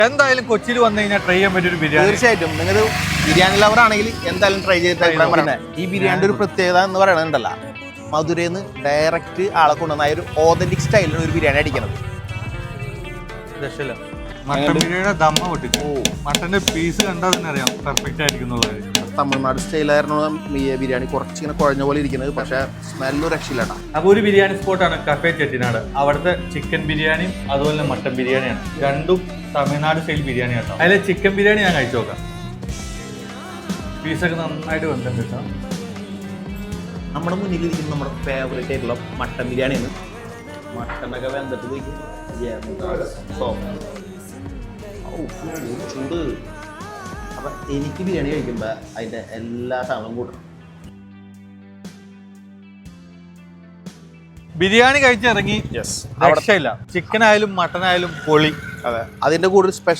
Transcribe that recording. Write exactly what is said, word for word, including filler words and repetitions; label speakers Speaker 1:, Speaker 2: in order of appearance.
Speaker 1: എന്തായാലും കൊച്ചിയിൽ വന്നു കഴിഞ്ഞാൽ ട്രൈ ചെയ്യാൻ പറ്റിയ ഒരു ബിരിയാണി.
Speaker 2: തീർച്ചയായിട്ടും നിങ്ങൾ ബിരിയാണി ലവർ ആണെങ്കിൽ എന്തായാലും ട്രൈ ചെയ്തിട്ട് അഭിപ്രായം പറയണേ. ഈ ബിരിയാണിയുടെ ഒരു പ്രത്യേകത എന്ന് പറയണതുണ്ടല്ലോ, മധുരയിൽ നിന്ന് ഡയറക്റ്റ് ആളെ കൊണ്ടുവന്ന ഒരു ഓതന്റിക് സ്റ്റൈലിലാണ് ഒരു ബിരിയാണി അടിക്കുന്നത്.
Speaker 1: രക്ഷയില്ല. മട്ടൻ ബിരിയാണിയുടെ ദമ്മ പൊട്ടിച്ചു. മട്ടന്റെ പീസ് കണ്ടാൽ തന്നെ അറിയാം പെർഫെക്റ്റ് ആയിരിക്കും.
Speaker 2: തമിഴ്നാട് സ്റ്റൈലായിരുന്നു ബിരിയാണി, കുറച്ചിങ്ങനെ കുഴഞ്ഞ പോലെ ഇരിക്കുന്നത്, പക്ഷെ സ്മെല്ലും രക്ഷയില്ലട്ടാ.
Speaker 1: അപ്പൊ ഒരു ബിരിയാണി സ്പോട്ടാണ് കഫേ ചെട്ടിനാട്. അവിടുത്തെ ചിക്കൻ ബിരിയാണിയും അതുപോലെ തന്നെ മട്ടൻ ബിരിയാണിയാണ്, രണ്ടും തമിഴ്നാട് സ്റ്റൈൽ ബിരിയാണി കേട്ടോ. അതിലെ ചിക്കൻ ബിരിയാണി ഞാൻ കഴിച്ചു നോക്കാം. പീസൊക്കെ നന്നായിട്ട് വെന്തിട്ടുണ്ട് കേട്ടോ.
Speaker 2: നമ്മുടെ മുന്നിലിരിക്കുന്ന നമ്മുടെ ഫേവറേറ്റ് ആയിട്ടുള്ള മട്ടൻ ബിരിയാണിയാണ്. മട്ടനൊക്കെ വെന്തിട്ട് ചൂട്. അപ്പൊ എനിക്ക് ബിരിയാണി കഴിക്കുമ്പോ അതിന്റെ എല്ലാ സാധനവും കൂട്ടണം.
Speaker 1: ബിരിയാണി കഴിച്ചിറങ്ങി രക്ഷയില്ല. ചിക്കൻ ആയാലും മട്ടൻ ആയാലും പൊളി.
Speaker 2: അതെ, അതിന്റെ കൂടെ